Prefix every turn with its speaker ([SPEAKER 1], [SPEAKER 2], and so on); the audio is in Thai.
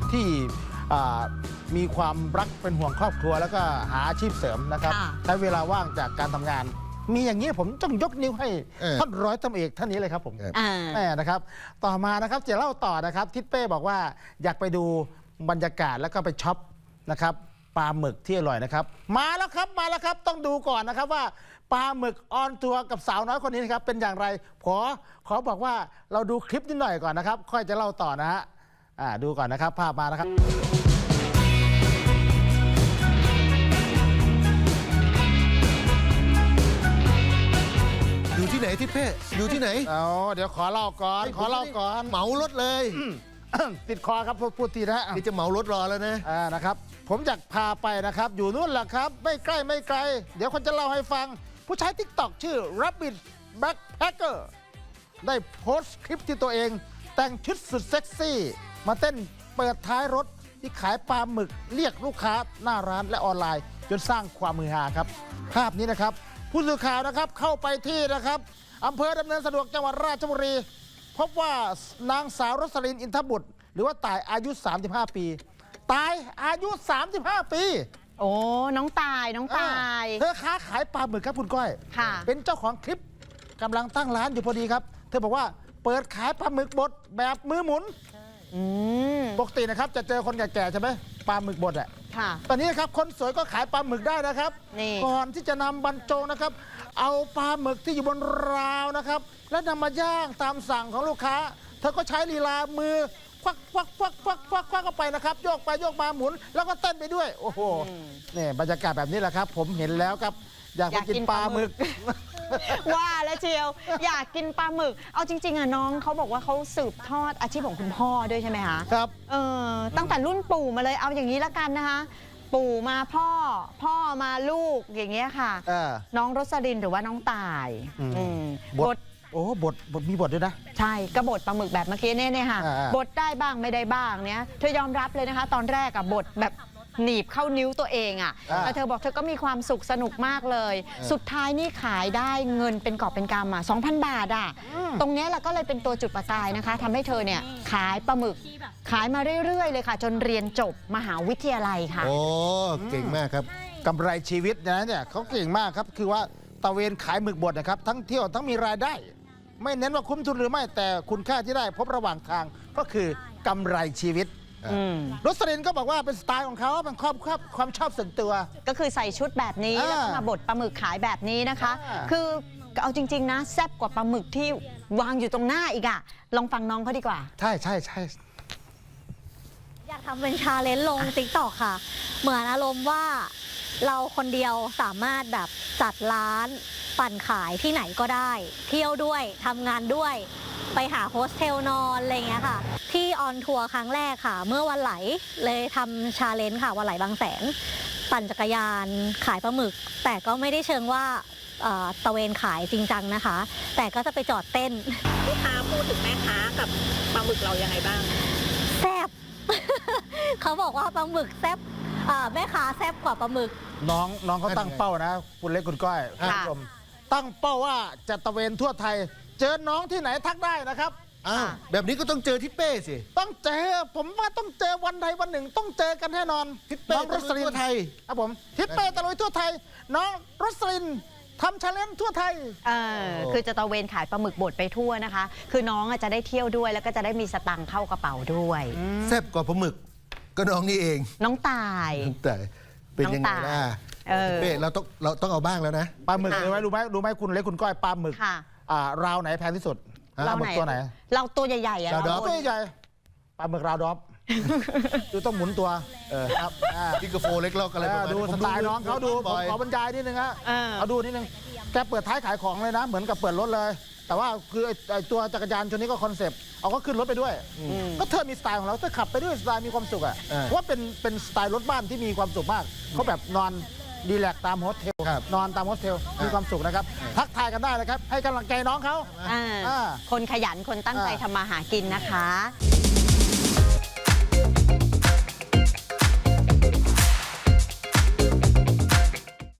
[SPEAKER 1] ที่มีความรักเป็นห่วงครอบครัวแล้วก็หาอาชีพเสริมนะครับใช้เวลาว่างจากการทำงานมีอย่างนี้ผมต้องยกนิ้วให้ท่านร้อยตำรวจเอกท่านนี้เลยครับผมแม่นะครับต่อมานะครับจะเล่าต่อนะครับทิศเป้บอกว่าอยากไปดูบรรยากาศแล้วก็ไปช็อปนะครับปลาหมึกที่อร่อยนะครับมาแล้วครับต้องดูก่อนนะครับว่าปลาหมึกออนทัวร์กับสาวน้อยคนนี้นะครับเป็นอย่างไรขอบอกว่าเราดูคลิปนิดหน่อยก่อนนะครับค่อยจะเล่าต่อนะฮะดูก่อนนะครับภาพมานะครับ
[SPEAKER 2] อยู่ที่ไหนทิศเป้อยู่ที่ไหน
[SPEAKER 1] เดี๋ยวขอเล่าก่อน
[SPEAKER 2] เหมารถเลย
[SPEAKER 1] ติดคอครับพูดทีนะ
[SPEAKER 2] นี่จะเหมารถรอแล้วนะ
[SPEAKER 1] นะครับผมอยากพาไปนะครับอยู่นู่นแหละครับไม่ใกล้ไม่ไกลเดี๋ยวคนจะเล่าให้ฟังผู้ใช้ TikTok ชื่อ Rabbit Backpacker ได้โพสต์คลิปที่ตัวเองแต่งชุดสุดเซ็กซี่มาเต้นเปิดท้ายรถที่ขายปลาหมึกเรียกลูกค้าหน้าร้านและออนไลน์จนสร้างความมือฮาครับภาพนี้นะครับผู้สื่อข่าวนะครับเข้าไปที่นะครับอำเภอดำเนินสะดวกจังหวัดราชบุรีพบว่านางสาวรสลินอินทบุตรหรือว่าต่ายอายุ35ปีตายอายุ35ปี
[SPEAKER 3] โอ้น้องตาย
[SPEAKER 1] เธอค้าขายปลาหมึกครับคุณก้อยเป็นเจ้าของคลิปกำลังตั้งร้านอยู่พอดีครับเธอบอกว่าเปิดขายปลาหมึกบดแบบมือหมุนปกตินะครับจะเจอคนแก่ๆใช่ไหมปลาหมึกบดอ่ะตอนนี้ครับคนสวยก็ขายปลาหมึกได้นะครับก่อนที่จะนำบรรจงนะครับเอาปลาหมึกที่อยู่บนราวนะครับแล้วนำมาย่างตามสั่งของลูกค้าเธอก็ใช้ลีลามือควักเข้าไปนะครับโยกไปโยกมาหมุนแล้วก็เต้นไปด้วยโอ้โหนี่บรรยากาศแบบนี้แหละครับผมเห็นแล้วครับอยากกินปลาหมึก
[SPEAKER 3] ว่าแล้วเชียวอยากกินปลาหมึกเอาจริงๆอ่ะน้องเขาบอกว่าเขาสืบทอดอาชีพของคุณพ่อด้วยใช่ไหมคะ
[SPEAKER 1] ครับ
[SPEAKER 3] ตั้งแต่รุ่นปู่มาเลยเอาอย่างนี้ละกันนะคะปู่มาพ่อมาลูกอย่างเงี้ยค่ะน้องรสลินหรือว่าน้องตาย
[SPEAKER 1] บทบทมีบทด้วยนะ
[SPEAKER 3] ใช่กระบทปลาหมึกแบบเมื่อกี้เนี่ยค่ะบทได้บ้างไม่ได้บ้างเนี้ยเธอยอมรับเลยนะคะตอนแรกอะบทแบบหนีบเข้านิ้วตัวเองอะแต่เธอบอกเธอก็มีความสุขสนุกมากเลยสุดท้ายนี่ขายได้เงินเป็นกอบเป็นกำ2,000 บาทตรงนี้แหละก็เลยเป็นตัวจุดประกายนะคะทำให้เธอเนี่ยขายปลาหมึกขายมาเรื่อยๆเลยค่ะจนเรียนจบมหาวิทยาลัยค่ะ
[SPEAKER 2] โอ้เก่งมากครับ
[SPEAKER 1] กำไรชีวิตนะเนี่ยเขาเก่งมากครับคือว่าตะเวนขายหมึกบดนะครับทั้งเที่ยวทั้งมีรายได้ไม่เน้นว่าคุ้มทุนหรือไม่แต่คุณค่าที่ได้พบระหว่างทางก็คือกำไรชีวิตรสลินก็บอกว่าเป็นสไตล์ของเขาเป็นความชอบส่วนตัว
[SPEAKER 3] ก็คือใส่ชุดแบบนี้แล้วก็มาบดปลาหมึกขายแบบนี้นะคะคือเอาจริงๆนะแซ่บกว่าปลาหมึกที่วางอยู่ตรงหน้าอีกอะลองฟังน้องเขาดีกว่า
[SPEAKER 1] ใช่
[SPEAKER 4] อยากทำเป็นชาเลนจ์ลง TikTok ค่ะเหมือนอารมณ์ว่าเราคนเดียวสามารถแบบจัดร้านปั่นขายที่ไหนก็ได้เที่ยวด้วยทำงานด้วยไปหาโฮสเทลนอนอะไรเงี้ยค่ะที่ออนทัวร์ครั้งแรกค่ะเมื่อวันไหลเลยทำชาเลนจ์ค่ะวันไหลบางแสนปั่นจักรยานขายปลาหมึกแต่ก็ไม่ได้เชิงว่าตะเวนขายจริงจังนะคะแต่ก็จะไปจอดเต้น
[SPEAKER 5] ลูกค้าพูดถึงแม่ค้ากับปลาหมึกเรายังไงบ้าง
[SPEAKER 4] แซ่บ เขาบอกว่าปลาหมึกแซ่บแม่ค้าแซ่บกว่าปลาหมึก
[SPEAKER 1] น้องเขาตั้งเป้านะคุณเล็กคุณก้อยคุณผู้ชมตั้งเป้าว่าจะตะเวนทั่วไทยเจอน้องที่ไหนทักได้นะครับ
[SPEAKER 2] แบบนี้ก็ต้องเจอทิศเป้สิ
[SPEAKER 1] ต้องเจอผมว่าต้องเจอวันใดวันหนึ่งต้องเจอกันแน่นอน
[SPEAKER 2] ทิศเป้
[SPEAKER 1] รสลิน
[SPEAKER 2] ทั่วไทย
[SPEAKER 1] ครับผมทิศเป้ตะลุยทั่วไทยน้องรสลินทำชาเลนจ์ทั่วไทย
[SPEAKER 3] คือจะตะเวนขายปลาหมึกบดไปทั่วนะคะคือน้องจะได้เที่ยวด้วยแล้วก็จะได้มีสตังค์เข้ากระเป๋าด้วย
[SPEAKER 2] แซ่บกว่าปลาหมึกก็น้องนี่เอง
[SPEAKER 3] น้องตาย
[SPEAKER 2] แต่เป็นยังไงล่ะเป้เราต้องเอาบ้างแล้วนะ
[SPEAKER 1] ปลาหมึกรู้ไหมคุณเล็กคุณก้อยปลาหมึกราวไหนแพงที่สุด
[SPEAKER 3] ราวไหนตัวไหนเราตัวใหญ่ๆอะ
[SPEAKER 1] ตัวใหญ่ปลาหมึกราวดอฟดูต้องหมุนตัว
[SPEAKER 2] ครับพิกโฟเล็กลอกอะไร
[SPEAKER 1] ดูสไตล์น้องเขาดูผมขอบรรยายนิดนึงฮะเอาดูนิดนึงแกเปิดท้ายขายของเลยนะเหมือนกับเปิดรถเลยแต่ว่าคือไอตัวจักรยานชนนี้ก็คอนเซปต์เอาก็ขึ้นรถไปด้วยก็เธอมีสไตล์ของเราเธอขับไปด้วยสไตล์มีความสุขอ่ะเพราะว่าเป็นสไตล์รถบ้านที่มีความสุขมากเขาแบบนอนดีแลกตามโฮสเทลนอนตามโฮสเทลมีความสุขนะครับทักทายกันได้นะครับให้กำลังใจน้องเขา
[SPEAKER 3] คนขยันคนตั้งใจทำมาหากินนะคะ